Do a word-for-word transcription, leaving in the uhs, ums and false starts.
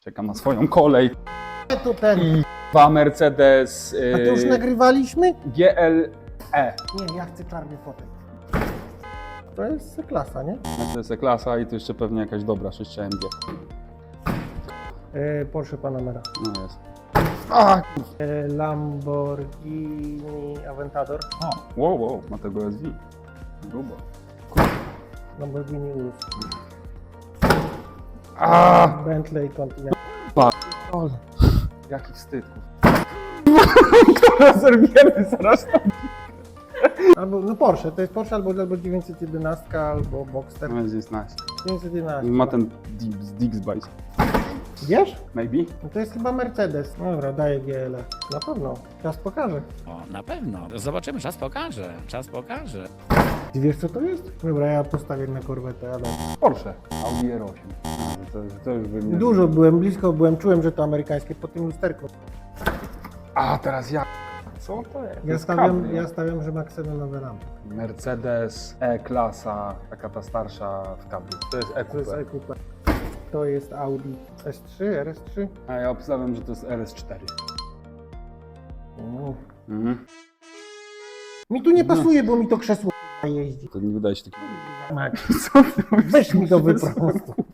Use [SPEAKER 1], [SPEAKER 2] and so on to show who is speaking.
[SPEAKER 1] Czekam na swoją kolej.
[SPEAKER 2] To ten.
[SPEAKER 1] I dwa Mercedes
[SPEAKER 2] A to już
[SPEAKER 1] yy,
[SPEAKER 2] nagrywaliśmy?
[SPEAKER 1] G L E.
[SPEAKER 2] Nie, ja chcę czarny fotek. To jest klasa, nie?
[SPEAKER 1] To jest E-klasa i tu jeszcze pewnie jakaś dobra sześć A M G.
[SPEAKER 2] E, Porsche Panamera.
[SPEAKER 1] No jest. A,
[SPEAKER 2] E, Lamborghini Aventador.
[SPEAKER 1] o, wow, wow, ma tego S V. Grubo.
[SPEAKER 2] Lamborghini Urus.
[SPEAKER 1] A,
[SPEAKER 2] Bentley Continental.
[SPEAKER 1] ole. Jaki wstyd. Która zerwiemy zaraz.
[SPEAKER 2] Albo, no Porsche, to jest Porsche albo, albo dziewięćset jedenaście, albo Boxster.
[SPEAKER 1] No jest nice.
[SPEAKER 2] dziewięćset jedenaście.
[SPEAKER 1] Ma ten Dixbite.
[SPEAKER 2] Wiesz?
[SPEAKER 1] Maybe?
[SPEAKER 2] No to jest chyba Mercedes. Dobra, daję G L E. Na pewno. Czas pokaże.
[SPEAKER 3] O, na pewno. Zobaczymy, czas pokaże. Czas pokaże.
[SPEAKER 2] Ty wiesz co to jest? Dobra, ja postawię na korwetę, ale...
[SPEAKER 1] Porsche. Audi R osiem. A, to, to już by mnie...
[SPEAKER 2] Dużo byłem, blisko byłem, czułem, że to amerykańskie po tym lusterku.
[SPEAKER 1] A, teraz ja. Co to jest? To
[SPEAKER 2] Ja
[SPEAKER 1] jest
[SPEAKER 2] stawiam,
[SPEAKER 1] cabrio.
[SPEAKER 2] ja stawiam, że ma ksenowe lampy.
[SPEAKER 1] Mercedes E-klasa, taka ta starsza w cabrio. To jest
[SPEAKER 2] To jest
[SPEAKER 1] E-coupe.
[SPEAKER 2] E-Coupe. To jest Audi S trzy, R S trzy.
[SPEAKER 1] A ja obstawiam, że to jest R S cztery.
[SPEAKER 2] Mm.
[SPEAKER 1] Mhm.
[SPEAKER 2] Mi tu nie pasuje, bo mi to krzesło jeździ.
[SPEAKER 1] To nie wydaje się takiego...
[SPEAKER 2] Max,
[SPEAKER 1] Co ty mówisz?
[SPEAKER 2] weź mi to wyprostuj.